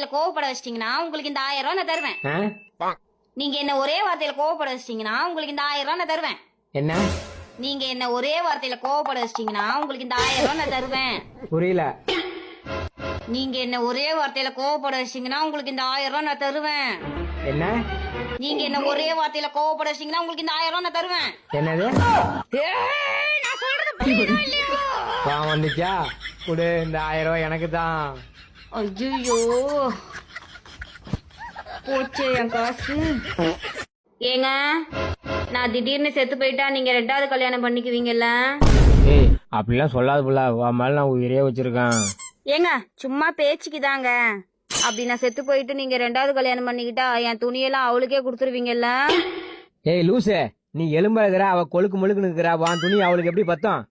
கோவப்பட வச்சிட்டீங்கன்னா உங்களுக்கு இந்த 1000 ரூபாய் நான் தருவேன். நீங்க என்ன ஒரே வார்த்தையில கோவப்பட வச்சிட்டீங்கன்னா உங்களுக்கு இந்த 1000 ரூபாய் நான் தருவேன். என்ன? நீங்க என்ன ஒரே வார்த்தையில கோவப்பட வச்சிட்டீங்கன்னா உங்களுக்கு இந்த 1000 ரூபாய் நான் தருவேன். புரியல. நீங்க என்ன ஒரே வார்த்தையில கோவப்பட வச்சிட்டீங்கன்னா உங்களுக்கு இந்த 1000 ரூபாய் நான் தருவேன். என்ன? நீங்க என்ன ஒரே வார்த்தையில கோவப்பட வச்சிட்டீங்கன்னா உங்களுக்கு இந்த 1000 ரூபாய் நான் தருவேன். என்னது? நான் சொல்றது புரியுதா இல்லையா? வந்துச்சா? குடு, இந்த 1000 ரூபாய் எனக்கு தான். ஐயோ போச்சே என் காசு. ஏங்க, நான் திடீர்னு செத்து போயிட்டா நீங்க 2வது கல்யாணம் பண்ணிக்குவீங்கல்ல? ஏய், அப்படிலாம் சொல்லாத புள்ள. உன் மேல நான் உயிரே வச்சிருக்கேன். ஏங்க, சும்மா பேச்சுக்குதாங்க. அப்படி நான் செத்து போயிட்டு நீங்க 2வது கல்யாணம் பண்ணிக்கிட்டா என் துணியெல்லாம் அவளுக்கே கொடுத்துருவீங்கல்ல? ஏய் லூசு, நீ எலும்பா இருக்கிற, அவ கொழுக்கு முழுக்கு நிற்கிறா. வான் துணி அவளுக்கு எப்படி பத்தம்?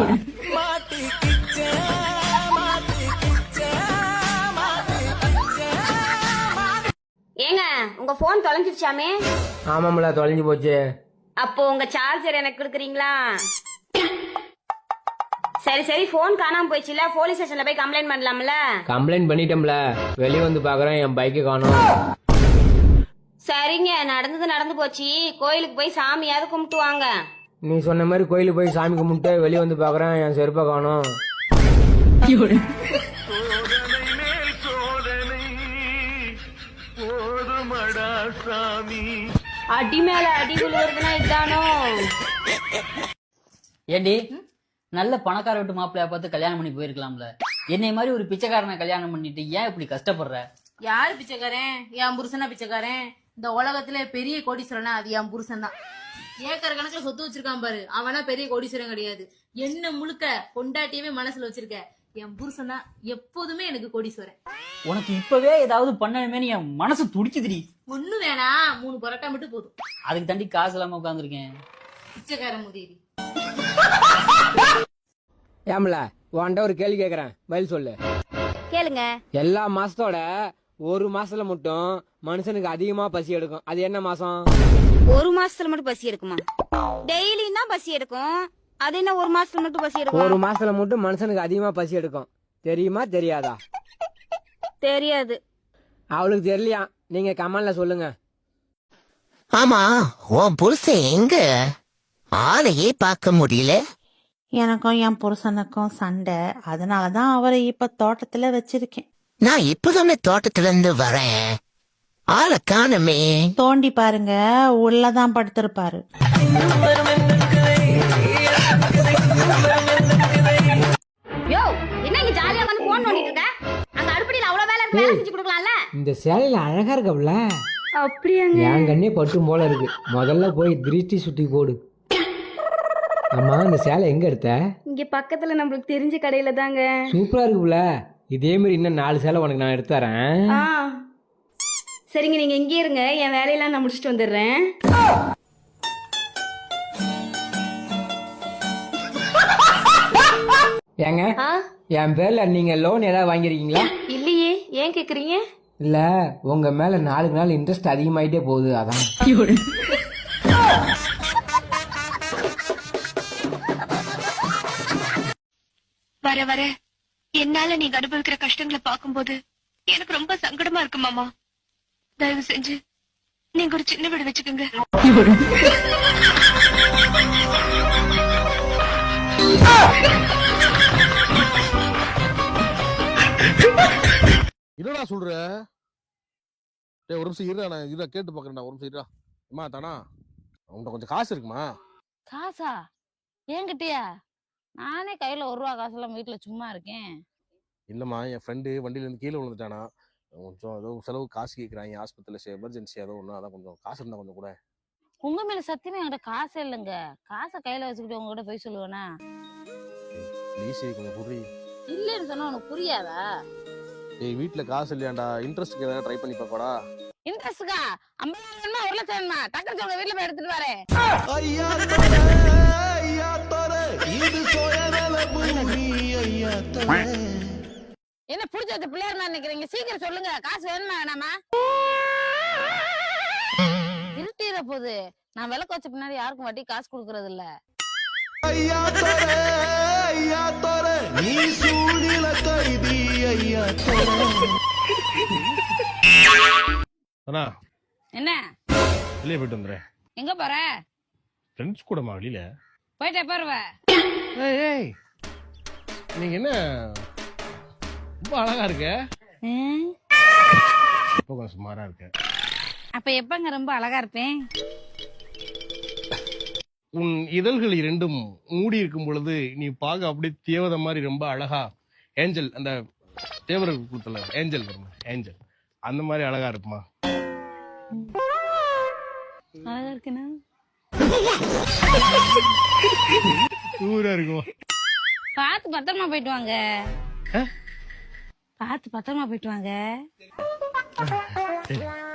ஏங்க, உங்க போன் தொலைஞ்சிருச்சாமே? ஆமாம்ல, தொலைஞ்சு போச்சு. அப்போ உங்க சார்ஜர் எனக்கு கொடுக்குறீங்களா? சரி சரி, போன் காணாம போயிடுச்சுல, போலீஸ் ஸ்டேஷன்ல போய் கம்ப்ளைண்ட் பண்ணலாம்ல? கம்ப்ளைண்ட் பண்ணிட்டோம்ல. வெளியே வந்து பாக்குறேன், என் பைக்கு காணோம். சரிங்க, நடந்தது நடந்து போச்சு. கோயிலுக்கு போய் சாமியாவது கும்பிட்டு வாங்க. நீ சொன்ன மாதிரி கோயிலுக்கு போய் சாமி கும்பிட்டு வெளியே வந்து பாக்குறேன், என் செருப்பை காணோம். அடி மேல அடி விழுவுறதுன்னா இதானோ? ஏண்டி, நல்ல பணக்கார வீட்டு மாப்பிள்ளைய பார்த்து கல்யாணம் பண்ணி போயிருக்கலாம்ல. என்னை மாதிரி ஒரு பிச்சைக்காரனை கல்யாணம் பண்ணிட்டு ஏன் இப்படி கஷ்டப்படுற? யாரு பிச்சைக்காரன்? என் புருஷனா பிச்சைக்காரன்? இந்த உலகத்துல பெரிய கோடீஸ்வரனா அது என் புருஷன் தான். ஏக்கர் கணக்குல சொத்து வச்சிருக்கான் பாரு, அவனா பெரிய கோடீஸ்வரன் கிடையாது. என்ன முழுக்க பொண்டாட்டியவே மனசுல வச்சிருக்க என் புருஷன் தான் எப்போதுமே எனக்கு கோடீஸ்வரன். உனக்கு இப்பவே ஏதாவது பண்ணணுமே என் மனசு துடிக்குதுடி. ஒண்ணு வேணா, 3 பரோட்டா மட்டும் போதும். அதுக்கு தாண்டி காசு இல்லாம உட்காந்துருக்கேன். பிச்சைக்காரன் முதேவி. ஏம்ல, உன்கிட்ட ஒரு கேள்வி கேக்குறேன், பதில் சொல்லு. கேளுங்க. எல்லா மாசத்தோட ஒரு மாசத்துல மட்டும் மனுஷனுக்கு அதிகமா பசி எடுக்கும். அது என்ன மாசம்? ஒரு மாசத்துல மட்டும் பசி எடுக்குமா? டெய்லியும் தான் பசி எடுக்கும். அது என்ன ஒரு மாசத்துல மட்டும் பசி எடுக்கும்? ஒரு மாசத்துல மட்டும் மனுஷனுக்கு அதிகமா பசி எடுக்கும். தெரியுமா தெரியாதா? தெரியாது. அவளுக்கு தெரியலையா? நீங்க கமெண்ட்ல சொல்லுங்க. ஆமா, உன் புருஷன் எங்க? ஆளையே பார்க்க முடியல. எனக்கும் என் புருஷனுக்கும் சண்டை, அதனாலதான் அவரை இப்ப தோட்டத்துல வச்சிருக்கேன். நான் இப்பதானே தோட்டத்துல இருந்து வரேன், ஆளை காணுமே. தோண்டி பாருங்க, உள்ளதான் படுத்திருப்பாரு. யோ, என்ன இங்க ஜாலியா வந்து போன் நோண்டிட்டு இருக்க? அங்க அடுப்படியில அவ்வளவு வேலை இருக்கு, வேலை செஞ்சு கொடுக்கலாம்ல? இந்த சேலையில அழகா இருக்கவுல. அப்படியாங்க? என் கண்ணே பட்டும் போல இருக்கு. முதல்ல போய் திருஷ்டி சுத்தி போடு. அம்மா, இந்த சேலை எங்க எடுத்த? இங்க பக்கத்துல நம்மளுக்கு தெரிஞ்ச கடையில தாங்க. சூப்பரா இருக்குல்ல. இதே மாதிரி இன்னும் 4 சேலை உனக்கு நான் எடுத்து தரேன். சரிங்க, நீங்க இங்கே இருங்க, என் வேலையெல்லாம் நான் முடிச்சுட்டு வந்துடுறேன். ஏங்க, என் பேர்ல நீங்க லோன் ஏதாவது வாங்கிருக்கீங்களா? இல்லையே, ஏன் கேக்குறீங்க? இல்ல, உங்க மேல நாளுக்கு நாள் இன்ட்ரெஸ்ட் அதிகமாயிட்டே போகுது, அதான். வர வர என்னால நீங்க அனுபவிக்கிற கஷ்டங்களை பார்க்கும்போது எனக்கு ரொம்ப சங்கடமா இருக்கு மாமா. தயவு செஞ்சு நீங்க ஒரு சின்ன வீடு வச்சுக்கோங்க. என்னடா சொல்ற? டேய், ஒரு நிமிஷம் இருடா, நான் இதை கேட்டு பாக்குறேன்டா. ஒரு நிமிஷம் இருடா. அம்மா தானா, உன்கிட்ட கொஞ்சம் காசு இருக்குமா? காசா? என்கிட்டயா? நானே கையில 1 ரூபா காசெல்லாம் வீட்டுல சும்மா இருக்கேன். இல்லம்மா, என் ஃப்ரெண்டு வண்டியில இருந்து கீழே விழுந்துட்டானா, கொஞ்சம் ஏதோ செலவு காசு கேட்கறாங்க ஆஸ்பத்திரியில, எமர்ஜென்சி ஏதோ ஒண்ணு. அதான் கொஞ்சம் காசு இருந்தா கொஞ்சம் கூட. உங்க மேல சத்தியமா என்கிட்ட காசே இல்லைங்க. காசை கையில வச்சுக்கிட்டு உங்ககிட்ட போய் சொல்லுவேனா? ப்ளீஸ் கொஞ்சம் புரி. இல்லன்னு சொன்னா உனக்கு புரியாதா? ஏய், வீட்டுல காசு இல்லையாண்டா, இன்ட்ரெஸ்ட்க்கு ஏதாவது ட்ரை பண்ணி பாக்கடா. இன்ட்ரெஸ்ட்கா 50,000 1 லட்சம் டக்குனு சொல்லுங்க, வீட்டுல போய் எடுத்துட்டு வரேன். என்ன புடிச்ச வச்ச பிள்ளையார் மாதிரி நிக்கிறீங்க? சீக்கிரம் சொல்லுங்க, காசு வேணுமா வேணாமா? இருட்டிற போது நான் விளக்கு வச்ச பின்னாடி யாருக்கும் வட்டி காசு கொடுக்கறது இல்ல. நீ சூழில கைதி ஐயா. அண்ணா என்ன வெளியே போயிட்டு வந்துடுறேன். எங்க போற? ஃப்ரெண்ட்ஸ் கூடமா வெளியில? போயிட்டே போறவ. ஏய் ஏய், நீங்க என்ன ரொம்ப அழகா இருக்க. இப்போ கொஞ்சம் சுமாரா இருக்க. அப்ப எப்பங்க ரொம்ப அழகா இருப்பேன்? உன் இதழ்கள் இரண்டும் மூடி இருக்கும் பொழுது நீ பார்க்க அப்படியே தேவதை மாதிரி ரொம்ப அழகா, ஏஞ்சல், அந்த தேவர்கள் கொடுத்தல ஏஞ்சல் வருமா, ஏஞ்சல் அந்த மாதிரி அழகா இருக்குமா? அழகா இருக்குனா சூரா இருக்குமா? பார்த்து பத்திரமா போயிட்டு வாங்க. பார்த்து பத்திரமா போயிட்டு வாங்க.